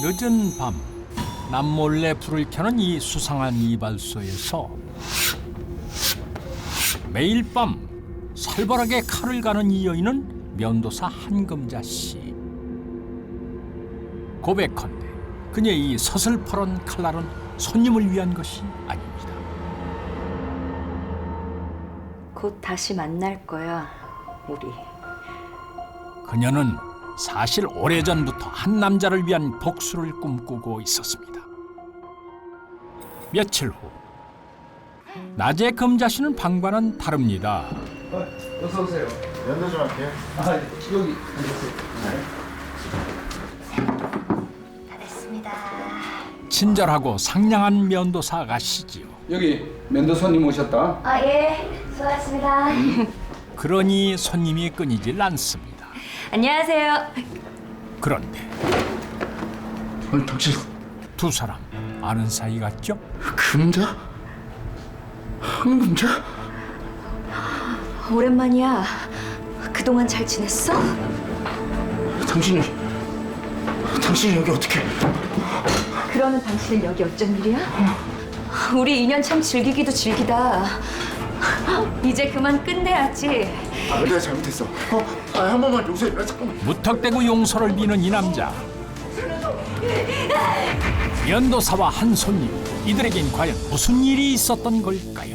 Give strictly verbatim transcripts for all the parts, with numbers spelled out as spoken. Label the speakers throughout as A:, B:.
A: 늦은 밤 남몰래 불을 켜는 이 수상한 이발소에서 매일 밤 살벌하게 칼을 가는 이 여인은 면도사 한금자 씨. 고백컨대 그녀의 이 서슬퍼런 칼날은 손님을 위한 것이 아닙니다.
B: 곧 다시 만날 거야, 우리.
A: 그녀는 사실 오래전부터 한 남자를 위한 복수를 꿈꾸고 있었습니다. 며칠 후 낮에 금자 씨는 방과는 다릅니다.
C: 어, 어서 오세요. 면도 좀 할게요. 아, 여기 앉으세요.
B: 다 됐습니다.
A: 친절하고 상냥한 면도사 아가씨지요.
C: 여기 면도 손님 오셨다.
B: 아, 예. 수고하셨습니다.
A: 그러니 손님이 끊이질 않습니다.
B: 안녕하세요.
A: 그런데
C: 아니, 당신
A: 두 사람 아는 사이 같죠?
C: 금자? 한금자?
B: 오랜만이야. 그동안 잘 지냈어?
C: 당신이 당신이 여기 어떻게?
B: 그러는 당신은 여기 어쩐 일이야? 우리 인연 참 즐기기도 즐기다. 이제 그만 끝내야지.
C: 아, 내가 잘못했어. 어, 아, 한 번만 용서해. 아, 잠깐만.
A: 무턱대고 용서를 비는 이 남자. 면도사와 한 손님, 이들에겐 과연 무슨 일이 있었던 걸까요?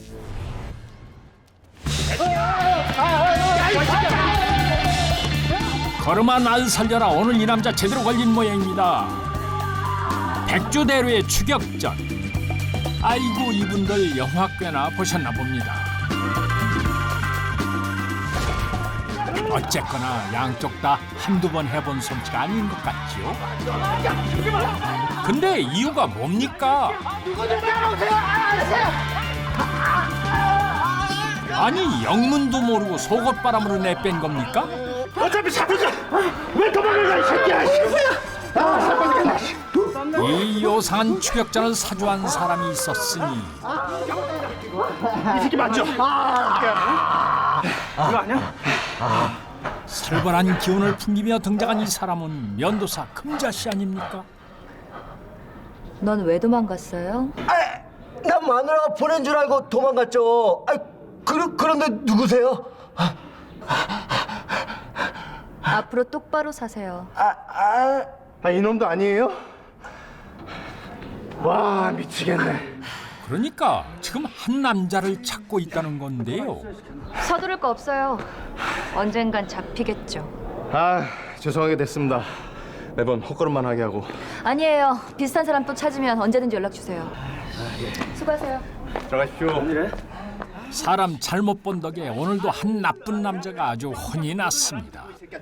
A: 걸음아 날 살려라. 오늘 이 남자 제대로 걸린 모양입니다. 백주대로의 추격전. 아이고 이분들 영화 꽤나 보셨나 봅니다. 어쨌거나 양쪽 다 한두 번 해본 솜씨가 아닌 것 같지요? 근데 이유가 뭡니까? 아니 영문도 모르고 속옷바람으로 내뺀 겁니까?
D: 어차피 잡혔어. 왜 도망을 가, 이 새끼야. 아, 잡혔겠다.
A: 이 요상한 추격전을 사주한 사람이 있었으니
D: 이 새끼 맞죠? 아, 이거 아니야?
A: 살벌한 기운을 풍기며 등장한 이 사람은 면도사 금자 씨 아닙니까?
B: 넌 왜 도망갔어요?
E: 난 마누라가 보낸 줄 알고 도망갔죠. 아, 그, 그런데 누구세요?
B: 앞으로 똑바로 사세요.
E: 아, 아,
D: 아, 이놈도 아니에요? 와, 미치겠네.
A: 그러니까 지금 한 남자를 찾고 있다는 건데요.
B: 서두를 거 없어요. 언젠간 잡히겠죠.
D: 아, 죄송하게 됐습니다. 매번 헛걸음만 하게 하고.
B: 아니에요. 비슷한 사람 또 찾으면 언제든지 연락 주세요. 수고하세요.
D: 들어가십시오.
A: 사람 잘못 본 덕에 오늘도 한 나쁜 남자가 아주 혼이 났습니다.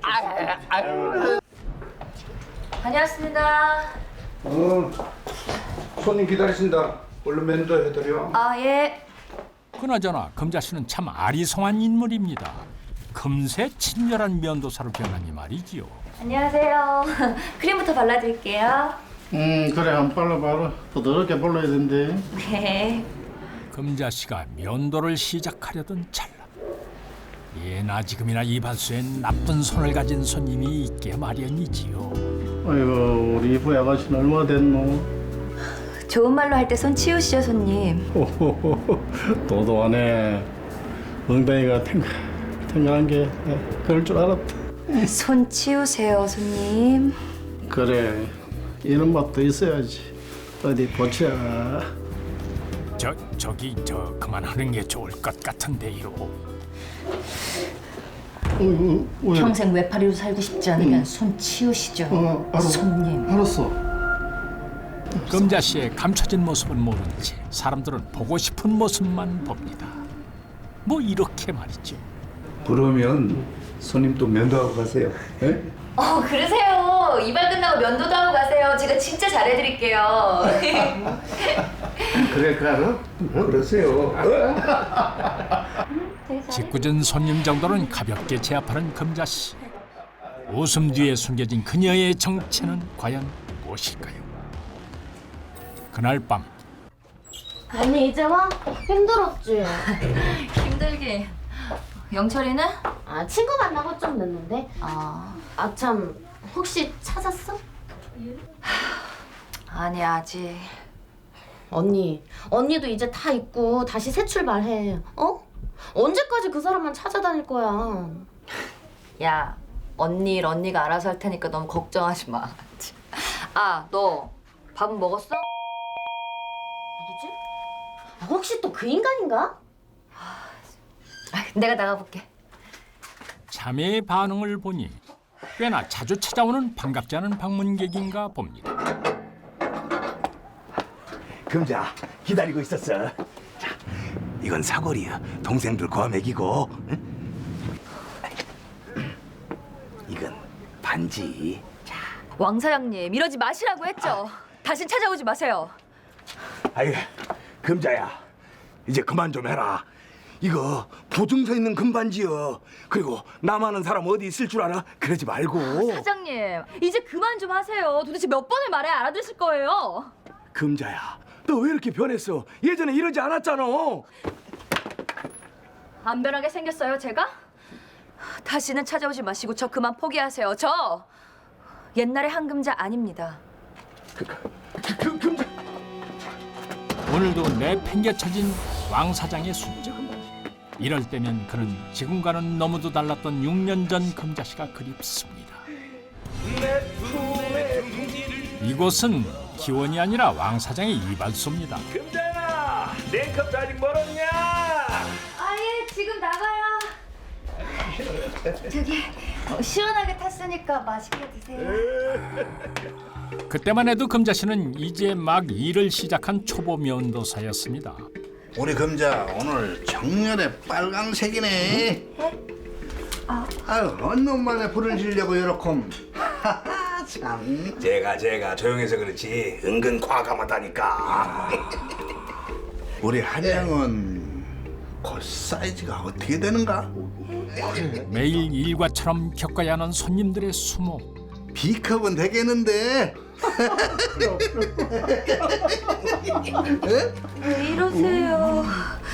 B: 다녀왔습니다.
C: 어, 손님 기다리신다. 얼른 면도해드려.
B: 아, 예.
A: 그나저나 금자 씨는 참 아리송한 인물입니다. 금세 친절한 면도사로 변하니 말이지요.
B: 안녕하세요. 크림부터 발라드릴게요.
F: 음 그래 안 발라봐라 부드럽게 발라야 된대.
B: 네.
A: 금자 씨가 면도를 시작하려던 찰나 예나 지금이나 이발소엔 나쁜 손을 가진 손님이 있게 마련이지요.
F: 아이고 우리 이부 아가씨는 얼마 됐노?
B: 좋은 말로 할 때 손 치우시죠, 손님.
F: 호호호 도도하네. 엉덩이가 탱글 탱글한 게 그럴 줄 알았다.
B: 손 치우세요, 손님.
F: 그래 이런 맛도 있어야지. 어디 보자.
A: 저 저기 저 그만하는 게 좋을 것 같은데요.
F: 어이구, 왜?
B: 평생 외파리로 살고 싶지 않으면 손 치우시죠,
F: 어, 알아.
B: 손님.
F: 알았어.
A: 금자 씨의 감춰진 모습은 모른 채 사람들은 보고 싶은 모습만 봅니다. 뭐 이렇게 말이죠.
C: 그러면 손님 또 면도하고 가세요. 예?
B: 어, 그러세요. 이발 끝나고 면도도 하고 가세요. 제가 진짜 잘해드릴게요.
C: 그래, 가라. 그러세요.
A: 짓궂은 손님 정도는 가볍게 제압하는 금자 씨. 웃음 뒤에 숨겨진 그녀의 정체는 과연 무엇일까요? 그날 밤
G: 언니 이제 와? 힘들었지?
B: 힘들게. 영철이는?
G: 아 친구 만나고 좀 늦는데?
B: 아,
G: 아 참 혹시 찾았어?
B: 아니 아직.
G: 언니, 언니도 이제 다 잊고 다시 새 출발해. 어? 언제까지 그 사람만 찾아다닐 거야?
B: 야, 언니 일 언니가 알아서 할 테니까 너무 걱정하지 마. 아, 너 밥은 먹었어?
G: 누구지? 아, 혹시 또 그 인간인가?
B: 아, 내가 나가볼게.
A: 자매의 반응을 보니 꽤나 자주 찾아오는 반갑지 않은 방문객인가 봅니다.
D: 금자 기다리고 있었어. 자, 이건 사골이야. 동생들 과메기고. 응? 이건 반지.
B: 왕 사장님, 이러지 마시라고 했죠. 다신 찾아오지 마세요.
D: 아이, 금자야. 이제 그만 좀 해라. 이거 보증서 있는 금반지여. 그리고 나만은 사람 어디 있을 줄 알아? 그러지 말고.
B: 사장님, 이제 그만 좀 하세요. 도대체 몇 번을 말해야 알아들으실 거예요.
D: 금자야, 너 왜 이렇게 변했어? 예전에 이러지 않았잖아.
B: 안 변하게 생겼어요, 제가? 다시는 찾아오지 마시고 저 그만 포기하세요. 저 옛날의 한금자 아닙니다.
D: 그, 그, 그, 금자.
A: 오늘도 내팽개쳐진 왕 사장의 순정. 이럴 때면 그는 지금과는 너무도 달랐던 육 년 전 금자씨가 그립습니다. 이곳은 기원이 아니라 왕 사장의 이발소입니다.
D: 금자야, 내 컵도 아직 멀었냐?
B: 아예 지금 나가요. 저기 어, 시원하게 탔으니까 맛있게 드세요.
A: 그때만 해도 금자씨는 이제 막 일을 시작한 초보 면도사였습니다.
F: 우리 금자 오늘 정렬에 빨강색이네. 아유, 어느 놈만에 불을 지려고 요렇게. 하하, 참.
D: 제가 제가 조용해서 그렇지 은근 과감하다니까.
F: 우리 한양은 그 사이즈가 어떻게 되는가?
A: 매일 일과처럼 겪어야 하는 손님들의 수모.
F: B컵은 되겠는데.
B: 왜 이러세요?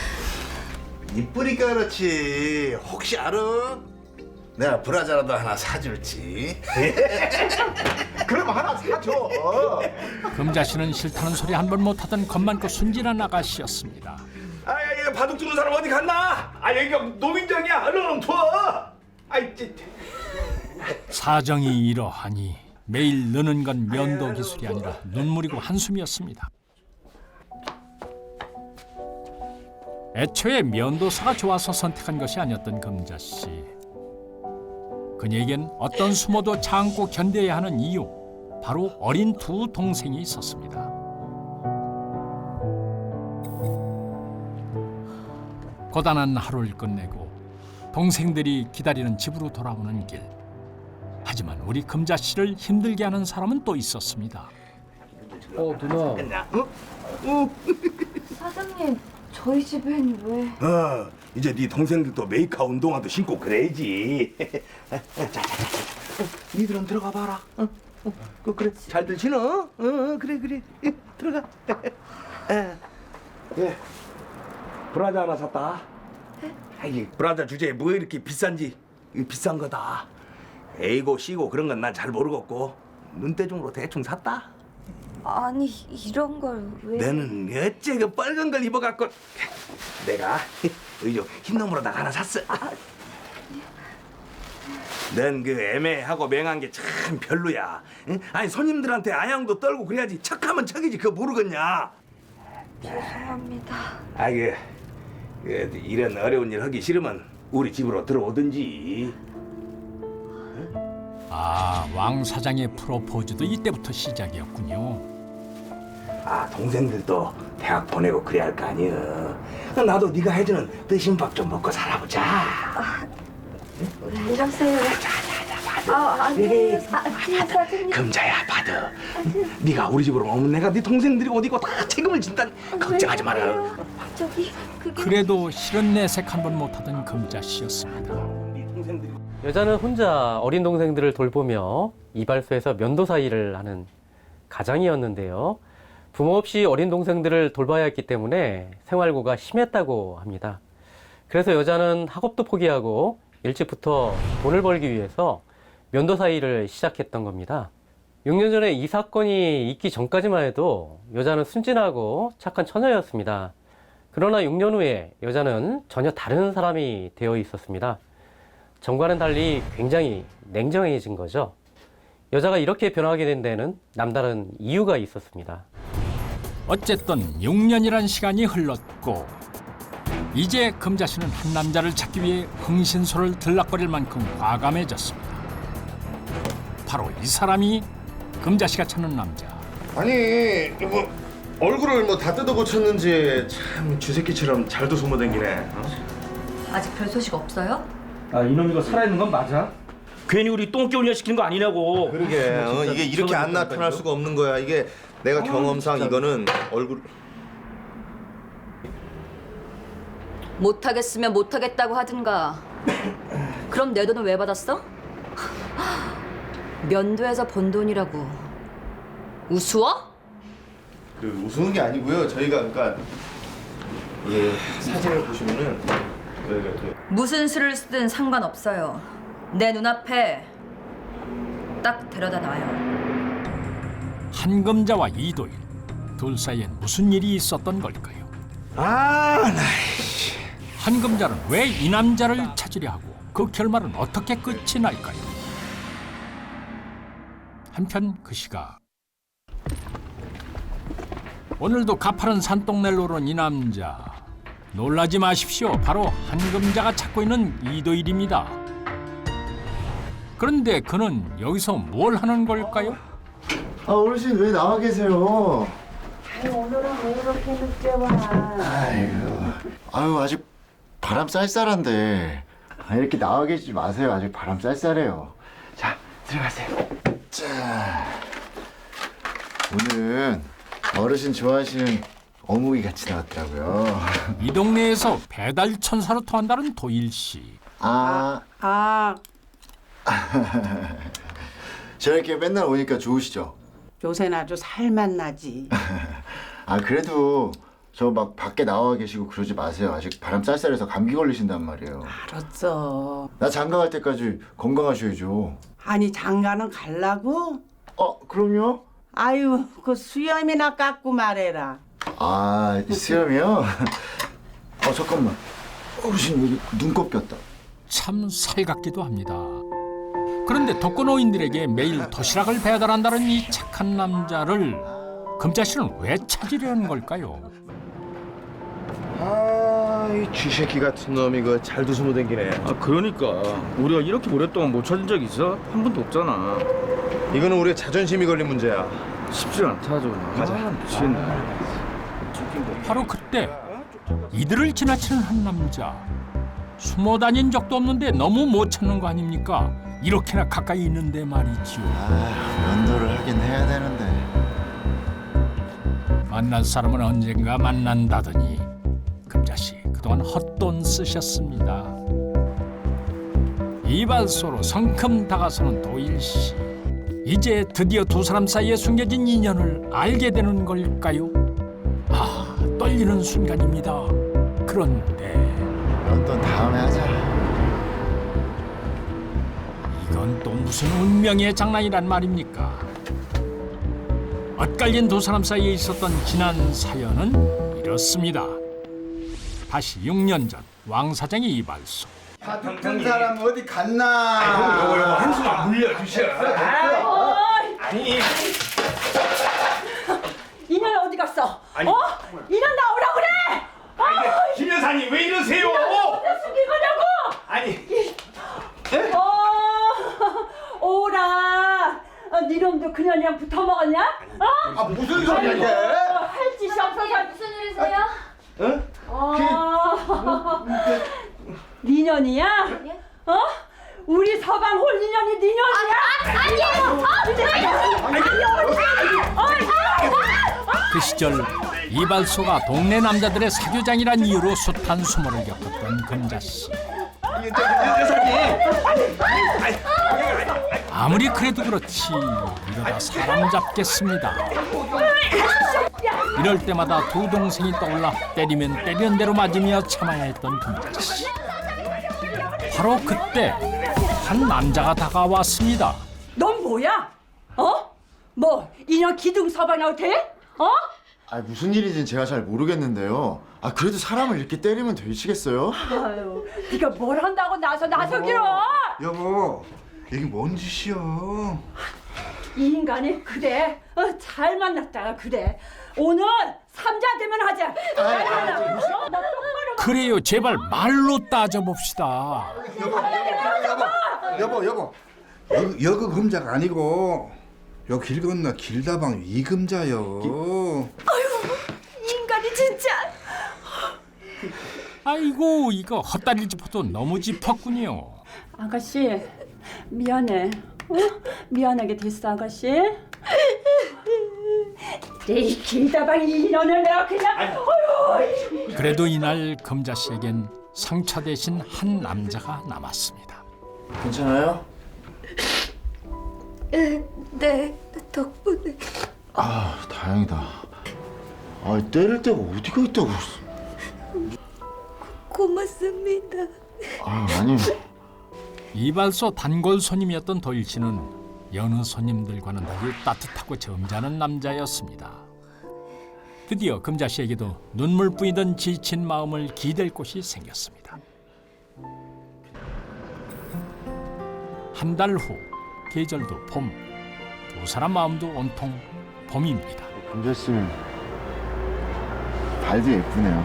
F: 이쁘니까 그렇지. 혹시 알아? 내가 브라자라도 하나 사줄지.
C: 그럼 하나 사줘.
A: 금자씨는 싫다는 소리 한 번 못하던 겁많고 순진한 아가씨였습니다.
D: 아, 이거 바둑 두는 사람 어디 갔나? 아, 여기가 노민정이야. 얼른 투어. 아이, 찌.
A: 사정이 이러하니 매일 느는 건 면도 기술이 아니라 눈물이고 한숨이었습니다. 애초에 면도사가 좋아서 선택한 것이 아니었던 금자씨. 그녀에겐 어떤 수모도 참고 견뎌야 하는 이유, 바로 어린 두 동생이 있었습니다. 고단한 하루를 끝내고 동생들이 기다리는 집으로 돌아오는 길. 하지만 우리 금자씨를 힘들게 하는 사람은 또 있었습니다.
H: 어 누나.
B: 사장님, 저희 집엔 왜?
D: 어, 이제 네 동생들도 메이커 운동화도 신고 그래야지. 자, 자, 자, 자. 니들은 들어가 봐라. 어, 어, 그, 그래, 잘들 지내? 어, 어, 그래, 그래. 예, 들어가. 예, 예. 브라자 하나 샀다. 아이, 브라자 주제에 뭐 이렇게 비싼지. 이거 비싼 거다. A고 C고 그런 건 난 잘 모르겠고 눈대중으로 대충 샀다.
B: 아니 이런 걸 왜?
D: 너는 어째 그 빨간 걸 입어갖고 내가 의조 흰 놈으로다가 하나 샀어. 넌 그 애매하고 맹한 게 참 별로야. 응? 아니 손님들한테 아양도 떨고 그래야지. 척하면 척이지. 그거 모르겠냐?
B: 죄송합니다.
D: 아이 그, 그 이런 어려운 일 하기 싫으면 우리 집으로 들어오든지.
A: 아, 왕 사장의 프로포즈도 이때부터 시작이었군요.
D: 아, 동생들도 대학 보내고 그래야 할 거 아니야. 나도 네가 해주는 뜨신 밥 좀 먹고 살아보자.
B: 왜 이러세요? 아, 아니에요. 사장님.
D: 금자야, 받아. 네가 우리 집으로 오면 내가 네 동생들이 어디 있고 다 책임을 진단. 걱정하지 마라.
B: 저기 그게
A: 그래도 실은 내색 한 번 못하던 금자씨였습니다.
D: 네 동생들이
H: 여자는 혼자 어린 동생들을 돌보며 이발소에서 면도사 일을 하는 가장이었는데요. 부모 없이 어린 동생들을 돌봐야 했기 때문에 생활고가 심했다고 합니다. 그래서 여자는 학업도 포기하고 일찍부터 돈을 벌기 위해서 면도사 일을 시작했던 겁니다. 육 년 전에 이 사건이 있기 전까지만 해도 여자는 순진하고 착한 처녀였습니다. 그러나 육 년 후에 여자는 전혀 다른 사람이 되어 있었습니다. 전과는 달리 굉장히 냉정해진 거죠. 여자가 이렇게 변하게 된 데는 남다른 이유가 있었습니다.
A: 어쨌든 육 년이란 시간이 흘렀고 이제 금자 씨는 한 남자를 찾기 위해 흥신소를 들락거릴 만큼 과감해졌습니다. 바로 이 사람이 금자 씨가 찾는 남자.
C: 아니 뭐 얼굴을 뭐 다 뜯어 고쳤는지 참 쥐새끼처럼 잘도 소모댕기네. 어?
B: 아직 별 소식 없어요?
I: 아 이놈 이거 살아있는 건 맞아? 괜히 우리 똥개 훈련시키는 거 아니냐고.
C: 그러게 어, 이게 이렇게 안 나타날 수가 없는 거야. 이게 내가 경험상 이거는 얼굴
B: 못하겠으면 못하겠다고 하든가. 그럼 내 돈은 왜 받았어? 면도에서 번 돈이라고. 우스워?
C: 그 우스운 게 아니고요. 저희가 그러니까 예 사진을 보시면은 저희가 그
B: 무슨 수를 쓰든 상관없어요. 내 눈앞에 딱 데려다 놔요.
A: 한금자와 이도일 둘 사이엔 무슨 일이 있었던 걸까요?
C: 아, 나
A: 한금자는 왜 이 남자를 찾으려 하고 그 결말은 어떻게 끝이 날까요? 한편 그 시각 오늘도 가파른 산동네를 오른 이 남자. 놀라지 마십시오. 바로 한금자가 찾고 있는 이도일입니다. 그런데 그는 여기서 뭘 하는 걸까요?
E: 아 어르신 왜 나와 계세요?
J: 오늘은 왜 이렇게 늦게 와?
E: 아이고 아유 아직 바람 쌀쌀한데 아, 이렇게 나와 계시지 마세요. 아직 바람 쌀쌀해요. 자 들어가세요. 자 오늘은 어르신 좋아하시는 어묵이 같이 나왔더라고요.
A: 이 동네에서 배달 천사로 통한다는 도일 씨.
E: 아
J: 아,
E: 저렇게 맨날 오니까 좋으시죠?
J: 요새는 아주 살만 나지.
E: 아 그래도 저 막 밖에 나와 계시고 그러지 마세요. 아직 바람 쌀쌀해서 감기 걸리신단 말이에요.
J: 알았어.
E: 나 장가 갈 때까지 건강하셔야죠.
J: 아니 장가는 갈라고?
E: 어 그럼요.
J: 아유, 그 수염이나 깎고 말해라.
E: 아 수염이요? 어 잠깐만 어르신 여기 눈곱 꼈다.
A: 참 살갑기도 합니다. 그런데 독거노인들에게 매일 도시락을 배달한다는 이 착한 남자를 금자 씨는 왜 찾으려는 걸까요?
C: 아이 쥐새끼 같은 놈이 그 잘도 소모댕기네.
I: 아 그러니까 우리가 이렇게 오랫동안 못 찾은 적 있어? 한 번도 없잖아.
C: 이거는 우리의 자존심이 걸린 문제야.
I: 쉽지 않다 좀.
C: 가자.
I: 아, 미친.
A: 바로 그때 이들을 지나치는 한 남자. 숨어 다닌 적도 없는데 너무 못 찾는 거 아닙니까? 이렇게나 가까이 있는데 말이지요.
E: 아 면도를 하긴 해야 되는데.
A: 만날 사람은 언젠가 만난다더니 금자씨 그동안 헛돈 쓰셨습니다. 이발소로 성큼 다가서는 도일씨. 이제 드디어 두 사람 사이에 숨겨진 인연을 알게 되는 걸까요? 아, 떨리는 순간입니다. 그런데
E: 면도 다음에 하자.
A: 이건 또 무슨 운명의 장난이란 말입니까? 엇갈린 두 사람 사이에 있었던 지난 사연은 이렇습니다. 다시 육 년 전 왕 사장의 이발소.
C: 같은 사람 어디 갔나?
D: 요거 요거 한숨만 물려주셔. 아니
J: 이년 어디 갔어? 어? 이년 나오라 그래!
D: 김 여사님 왜 이러세요?
J: 숨긴 거냐고!
D: 아니
J: 어, 오라! 어, 네 놈도 그년이랑 붙어 먹었냐? 어?
C: 아 무슨 소리야 이게?
J: 어, 할 짓이 없어서
B: 무슨 일이세요?
C: 어?
J: 어, 네 년이야? 어? 우리 서방 홀리년이 네 년이야?
A: 그 시절 이발소가 동네 남자들의 사교장이란 이유로 숱한 수모를 겪었던 금자씨. 아무리 그래도 그렇지 이러다 사람 잡겠습니다. 이럴 때마다 두 동생이 떠올라 때리면 때리는 대로 맞으며 참아야 했던 금자씨. 바로 그때 한 남자가 다가왔습니다.
J: 넌 뭐야? 어? 이런 기둥 서방이라고 돼? 어?
E: 아 무슨 일인지는 제가 잘 모르겠는데요. 아 그래도 사람을 이렇게 때리면 되시겠어요?
J: 아유, 네가 뭘 한다고 나서 나서기로?
F: 여보, 이게 뭔 짓이야?
J: 이 인간이 그래. 어, 잘 만났다가 그래. 오늘 삼자 되면 하자. 어, 나 똑바로
A: 그래요, 제발 말로 따져봅시다.
F: 여보, 여보, 여보. 여, 여그 금자가 아니고 요 길 건너 길다방 이금자요.
B: 인간이 진짜.
A: 아이고, 이거 헛다리 짚어도 너무 짚었군요.
J: 아가씨 미안해. 어? 미안하게 됐어 아가씨. 이 길다방 이년을 내가 그냥. 어휴.
A: 그래도 이날 금자 씨에겐 상처 대신 한 남자가 남았습니다.
E: 괜찮아요?
B: 네, 덕분에.
E: 아 다행이다. 아 때릴 데가 어디가 있다고.
B: 고맙습니다.
E: 아 아니.
A: 이발소 단골 손님이었던 도일 씨는 여느 손님들과는 달리 따뜻하고 점잖은 남자였습니다. 드디어 금자 씨에게도 눈물 뿌이던 지친 마음을 기댈 곳이 생겼습니다. 한 달 후, 계절도 봄. 두 사람 마음도 온통 봄입니다.
E: 금자 씨 발도 예쁘네요.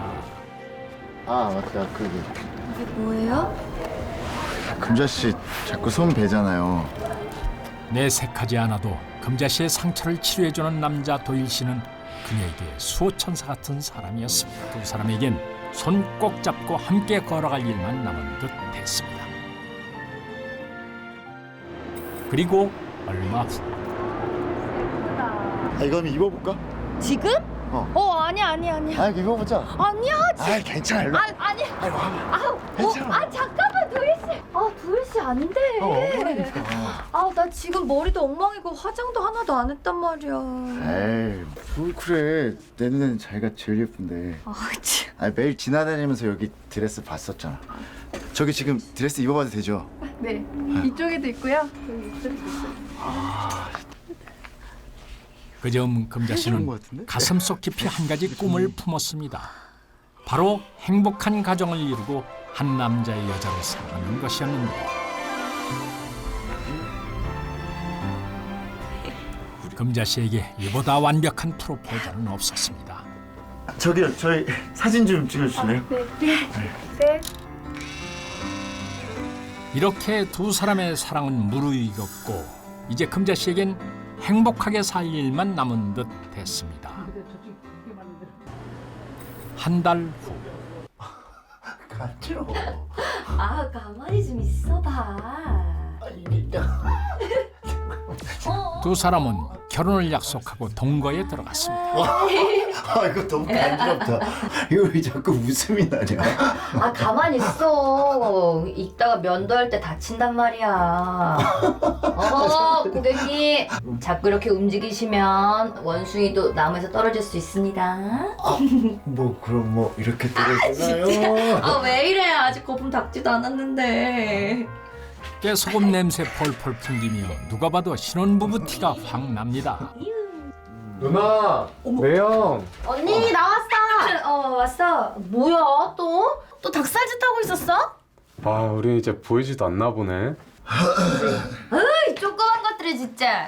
E: 아 맞다 그
B: 이게 뭐예요?
E: 금자 씨 자꾸 손 베잖아요.
A: 내색하지 않아도 금자 씨의 상처를 치료해주는 남자 도일 씨는 그녀에게 수호천사 같은 사람이었습니다. 두 사람에겐 손 꼭 잡고 함께 걸어갈 일만 남은 듯 했습니다. 그리고 얼마 후
E: 아 이거 한번 입어볼까?
B: 지금?
E: 어.
B: 어, 아니야, 아니야, 아니야.
E: 아 이거 입어보자.
B: 아니야, 지
E: 아 괜찮아. 일로.
B: 아, 아니.
E: 아이고 와봐.
B: 아,
E: 괜찮아.
B: 어, 아, 잠깐만, 도일 씨. 아, 도일 씨 안 돼.
E: 어, 어머니니까.
B: 아, 나 지금 머리도 엉망이고 화장도 하나도 안 했단 말이야.
E: 에이 뭘 그래. 내 눈에는 자기가 제일 예쁜데.
B: 아, 참.
E: 아 매일 지나다니면서 여기 드레스 봤었잖아. 저기 지금 드레스 입어봐도 되죠?
B: 네, 이쪽에도 있고요. 여기 이쪽에도 있어요.
A: 그점 금자 씨는 가슴속 깊이 한 가지 꿈을 품었습니다. 바로 행복한 가정을 이루고 한 남자의 여자로 사는 것이었는데 금자 씨에게 이보다 완벽한 프로포즈는 없었습니다.
E: 저기요 저희 사진 좀 찍어주실래요?
B: 네, 네, 네.
A: 이렇게 두 사람의 사랑은 무르익었고 이제 금자 씨에겐 행복하게 살 일만 남은 듯 했습니다. 한 달 후
E: 가죠.
B: 아, 가만히 좀 있어봐.
A: 두 사람은 결혼을 약속하고 동거에 들어갔습니다.
E: 아 이거 너무 간지럽다. 이거 왜 자꾸 웃음이 나냐?
B: 아, 가만히 있어. 이따가 면도할 때 다친단 말이야. 어, 고객님. 자꾸 이렇게 움직이시면 원숭이도 나무에서 떨어질 수 있습니다.
E: 아, 뭐 그럼 뭐 이렇게 떨어지나요?
B: 아, 왜 이래? 아직 거품 닦지도 않았는데.
A: 깨소금 냄새 폴폴 풍기며 누가 봐도 신혼부부 티가 확 납니다.
K: 누나, 매형.
G: 언니 나왔어.
B: 어, 왔어.
G: 뭐야 또? 또 닭살짓 하고 있었어?
K: 아, 우리 이제 보이지도 않나 보네.
B: 으이, 조그만 것들이 진짜.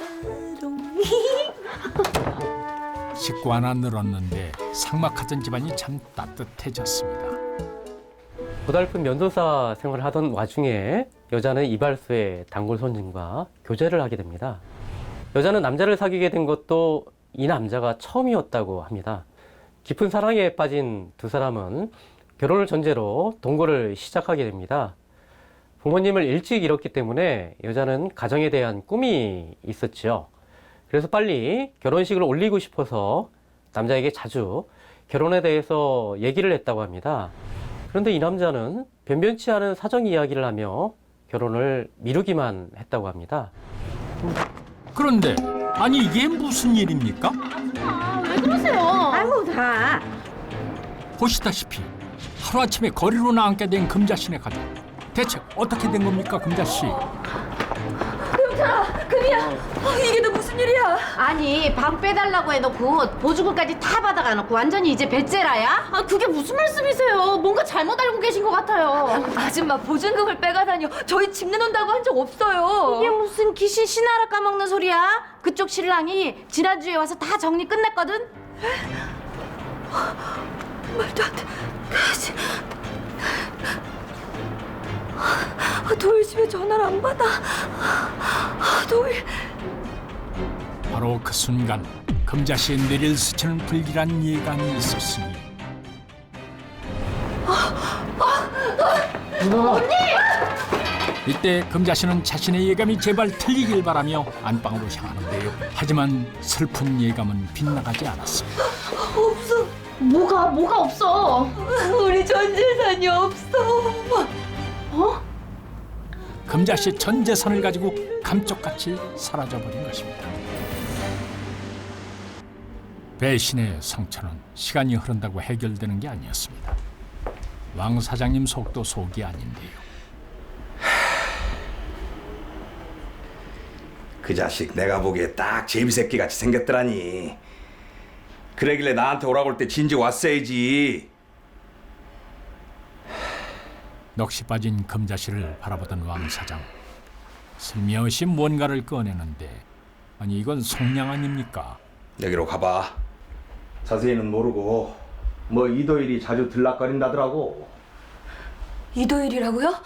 A: 식구 하나 늘었는데 삭막하던 집안이 참 따뜻해졌습니다.
H: 고달픈 면도사 생활을 하던 와중에 여자는 이발소의 단골 손님과 교제를 하게 됩니다. 여자는 남자를 사귀게 된 것도 이 남자가 처음이었다고 합니다. 깊은 사랑에 빠진 두 사람은 결혼을 전제로 동거를 시작하게 됩니다. 부모님을 일찍 잃었기 때문에 여자는 가정에 대한 꿈이 있었죠. 그래서 빨리 결혼식을 올리고 싶어서 남자에게 자주 결혼에 대해서 얘기를 했다고 합니다. 그런데 이 남자는 변변치 않은 사정 이야기를 하며 결혼을 미루기만 했다고 합니다.
A: 그런데 아니 이게 무슨 일입니까?
G: 왜 그러세요?
J: 아이고 다.
A: 보시다시피 하루아침에 거리로 나앉게 된 금자씨네 가족. 대체 어떻게 된 겁니까 금자씨?
B: 금자, 금이야. 어, 이게 너 무슨
J: 무슨 일이야?
G: 아니 방 빼달라고 해놓고 보증금까지 다 받아가놓고 완전히 이제 배째라야? 아 그게 무슨 말씀이세요? 뭔가 잘못 알고 계신 것 같아요.
J: 아줌마 보증금을 빼가다니요. 저희 집 내놓는다고 한 적 없어요.
G: 이게 무슨 귀신 신하라 까먹는 소리야? 그쪽 신랑이 지난주에 와서 다 정리 끝냈거든?
J: 말도 안 돼. 그지. 아, 도일 집에 전화를 안 받아. 아, 도일.
A: 바로 그 순간 금자씨의 뇌를 스치는 불길한 예감이 있었으니 이때 금자씨는 자신의 예감이 제발 틀리길 바라며 안방으로 향하는데요. 하지만 슬픈 예감은 빗나가지 않았습니다.
J: 없어.
G: 뭐가 뭐가 없어?
J: 우리 전 재산이 없어.
G: 어?
A: 금자씨 전 재산을 가지고 감쪽같이 사라져버린 것입니다. 배신의 상처는 시간이 흐른다고 해결되는 게 아니었습니다. 왕 사장님 속도 속이 아닌데요.
D: 그 자식 내가 보기에 딱 제비새끼 같이 생겼더라니. 그러길래 나한테 오라고 할 때 진즉 왔어야지.
A: 넋이 빠진 금자씨를 바라보던 왕 사장. 슬며시 뭔가를 꺼내는데 아니 이건 속량 아닙니까?
D: 여기로 가봐. 자세히는 모르고 뭐 이도일이 자주 들락거린다더라고.
J: 이도일이라고요?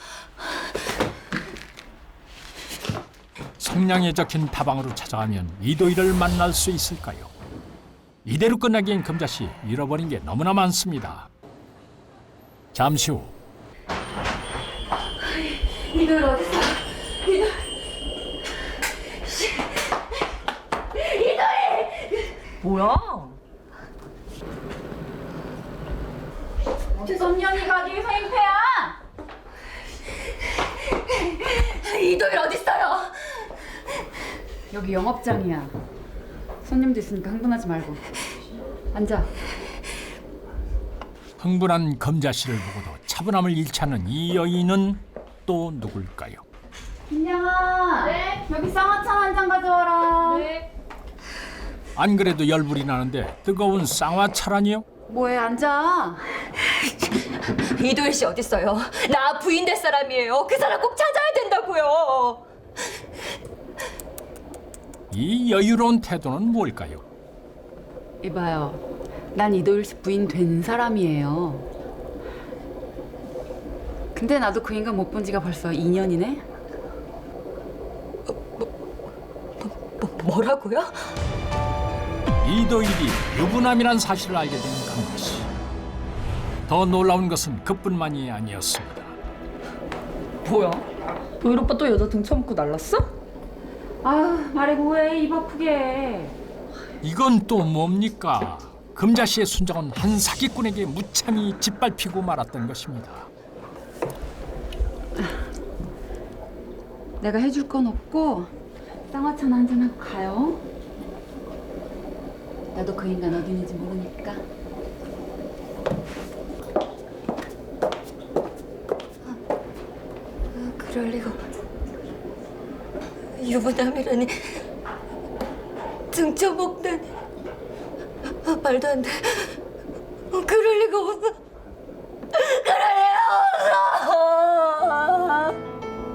A: 속량에 적힌 다방으로 찾아가면 이도일을 만날 수 있을까요? 이대로 끝나기엔 금자씨 잃어버린 게 너무나 많습니다. 잠시 후
J: 이도일 어딨어? 이도일. 이도일. 뭐야?
B: 솜년이가 어디 행패야?
J: 이도일 어딨어요?
L: 여기 영업장이야. 손님도 있으니까 흥분하지 말고 앉아.
A: 흥분한 금자씨를 보고도 차분함을 잃지 않는 이 여인은 또 누굴까요?
L: 김양아. 네. 여기 쌍화차 한 잔 가져와라. 네.
A: 안 그래도 열불이 나는데 뜨거운 쌍화차라니요?
L: 뭐해 앉아.
J: 이도일 씨 어딨어요? 나 부인 될 사람이에요. 그 사람 꼭 찾아야 된다고요.
A: 이 여유로운 태도는 뭘까요?
L: 이봐요. 난 이도일 씨 부인 된 사람이에요. 근데 나도 그 인간 못 본 지가 벌써 이 년이네?
J: 뭐, 뭐라고요?
A: 이도일이 유부남이란 사실을 알게 된 금자씨. 더 놀라운 것은 그뿐만이 아니었습니다.
L: 뭐야? 도일 오빠 또 여자 등쳐먹고 날랐어? 아 말해 뭐해 입 아프게.
A: 이건 또 뭡니까? 금자씨의 순정은 한 사기꾼에게 무참히 짓밟히고 말았던 것입니다.
L: 내가 해줄 건 없고 쌍화차나 한잔하고 가요. 나도 그 인간 어디 있는지 모르니까.
J: 그럴 리가. 유부남이라니. 등쳐먹다니. 아, 말도 안 돼. 그럴 리가 없어. 그럴 리가 없어.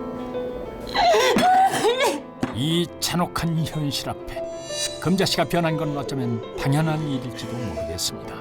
A: 이 잔혹한 현실 앞에 금자씨가 변한 건 어쩌면 당연한 일일지도 모르겠습니다.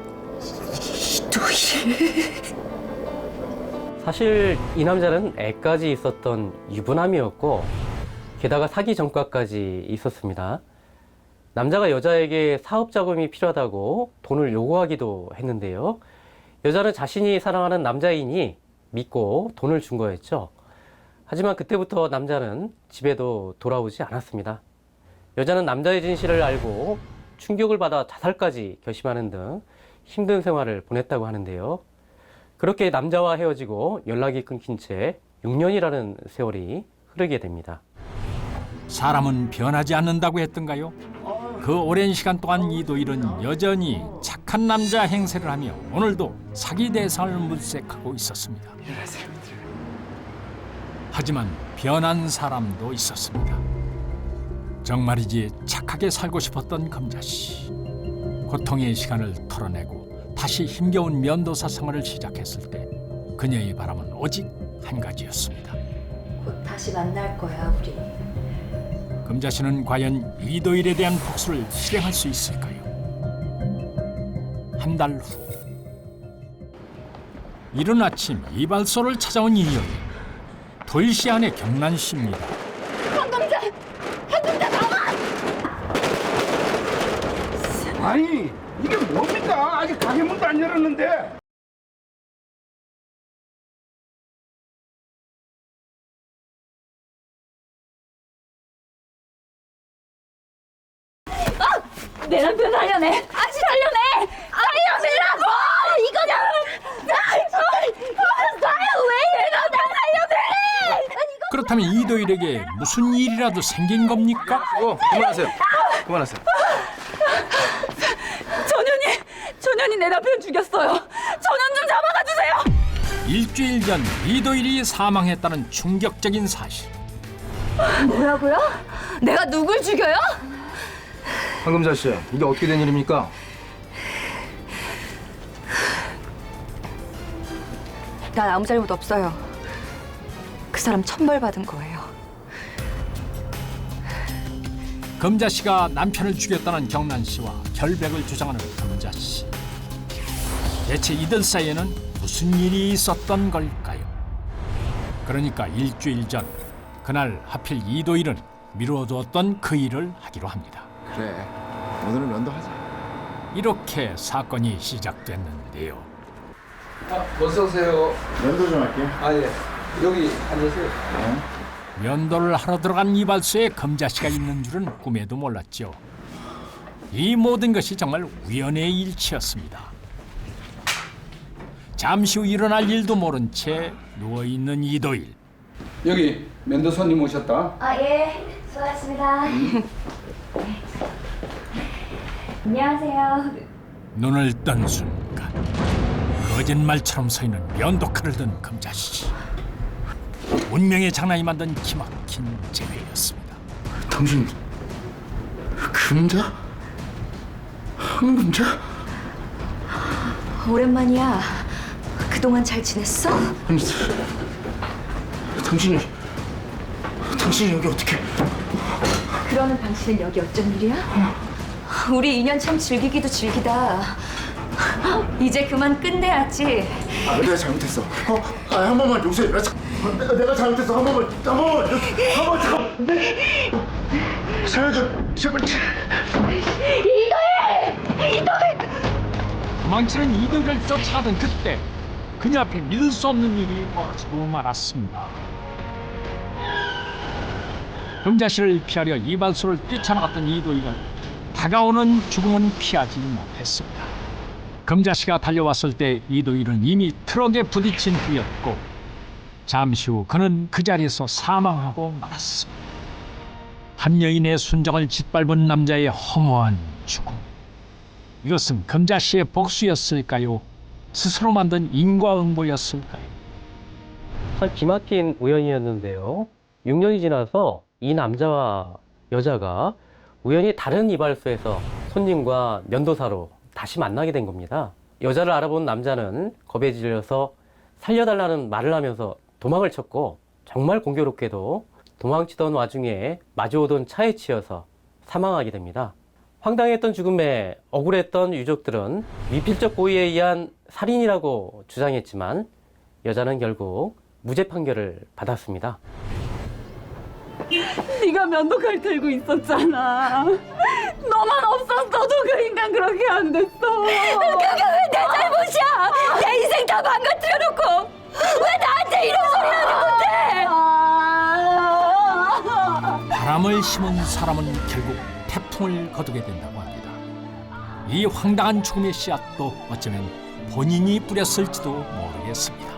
H: 사실 이 남자는 애까지 있었던 유부남이었고 게다가 사기 전과까지 있었습니다. 남자가 여자에게 사업 자금이 필요하다고 돈을 요구하기도 했는데요. 여자는 자신이 사랑하는 남자인이 믿고 돈을 준 거였죠. 하지만 그때부터 남자는 집에도 돌아오지 않았습니다. 여자는 남자의 진실을 알고 충격을 받아 자살까지 결심하는 등 힘든 생활을 보냈다고 하는데요. 그렇게 남자와 헤어지고 연락이 끊긴 채 육 년이라는 세월이 흐르게 됩니다.
A: 사람은 변하지 않는다고 했던가요? 그 오랜 시간 동안 이도일은 여전히 착한 남자 행세를 하며 오늘도 사기 대상을 물색하고 있었습니다. 하지만 변한 사람도 있었습니다. 정말이지 착하게 살고 싶었던 금자씨. 고통의 시간을 털어내고 다시 힘겨운 면도사 생활을 시작했을 때 그녀의 바람은 오직 한 가지였습니다.
B: 곧 다시 만날 거야 우리.
A: 금자씨는 과연 이도일에 대한 복수를 실행할 수 있을까요? 한 달 후 이른 아침 이발소를 찾아온 이 여인. 도일씨 아내 경란씨입니다.
J: 황금자! 황금자 나와!
D: 아니 이게 뭡니까? 아직 가게 문도 안 열었는데.
J: 내 남편 살려내! 아직 살려내! 살려내라고! 이거냐! 나요 왜 이러나 살려내!
A: 그렇다면 이도일에게 무슨 일이라도 생긴 겁니까?
C: 어, 그만하세요. 그만하세요.
J: 전현이! 전현이 내 남편 죽였어요! 전현 좀 잡아가 주세요!
A: 일주일 전 이도일이 사망했다는 충격적인 사실.
J: 뭐라고요? 내가 누굴 죽여요?
C: 황금자 씨, 이게 어떻게 된 일입니까?
L: 난 아무 잘못 없어요. 그 사람 천벌받은 거예요.
A: 금자씨가 남편을 죽였다는 경란씨와 결백을 주장하는 금자씨. 대체 이들 사이에는 무슨 일이 있었던 걸까요? 그러니까 일주일 전 그날 하필 이도일은 미뤄두었던 그 일을 하기로 합니다.
E: 그래, 오늘은 면도하자.
A: 이렇게 사건이 시작됐는데요.
F: 아, 어서 오세요.
E: 면도 좀 할게.
F: 아 예. 여기 앉으세요.
A: 면도를 하러 들어간 이발소에 금자씨가 있는 줄은 꿈에도 몰랐죠. 이 모든 것이 정말 우연의 일치였습니다. 잠시 후 일어날 일도 모른 채 누워있는 이도일.
F: 여기 면도 손님 오셨다.
B: 아 예, 수고하셨습니다. 안녕하세요.
A: 눈을 뜬 순간 거짓말처럼 서 있는 면도칼을 든 금자씨. 운명의 장난이 만든 기막힌 재회였습니다.
E: 당신 금자? 황금자?
L: 오랜만이야. 그동안 잘 지냈어?
E: 아니, 당신이 당신이 여기 어떻게?
L: 그러는 당신은 여기 어쩐 일이야? 우리 인연 참 즐기기도 즐기다. 이제 그만 끝내야지.
E: 아, 내가 잘못했어. 어, 아, 한 번만 용서해. 나, 참- 내가 내가 잘못했어. 한 번만, 한 번만, 한 번 잠깐. 살려줘, 제발.
A: 도망치는 이도일을 쫓아가던 그때 그녀 앞에 믿을 수 없는 일이 벌어지고 말았습니다. 금자씨를 피하려 이발소를 뛰쳐나갔던 이도일은 다가오는 죽음은 피하지 못했습니다. 금자씨가 달려왔을 때 이도일은 이미 트럭에 부딪힌 후였고 잠시 후 그는 그 자리에서 사망하고 말았습니다. 한 여인의 순정을 짓밟은 남자의 허무한 죽음. 이것은 금자씨의 복수였을까요? 스스로 만든 인과응보였을까요?
H: 참 기막힌 우연이었는데요. 육 년이 지나서 이 남자와 여자가 우연히 다른 이발소에서 손님과 면도사로 다시 만나게 된 겁니다. 여자를 알아본 남자는 겁에 질려서 살려달라는 말을 하면서 도망을 쳤고 정말 공교롭게도 도망치던 와중에 마주오던 차에 치여서 사망하게 됩니다. 황당했던 죽음에 억울했던 유족들은 미필적 고의에 의한 살인이라고 주장했지만 여자는 결국 무죄 판결을 받았습니다.
J: 네가 면도칼 들고 있었잖아. 너만 없었어도 그 인간 그렇게 안 됐어. 그게 왜 내 잘못이야? 내 인생 다 망가뜨려놓고 왜 나한테 이런 소리 하는 건데?
A: 바람을 심은 사람은 결국 태풍을 거두게 된다고 합니다. 이 황당한 죽음의 씨앗도 어쩌면 본인이 뿌렸을지도 모르겠습니다.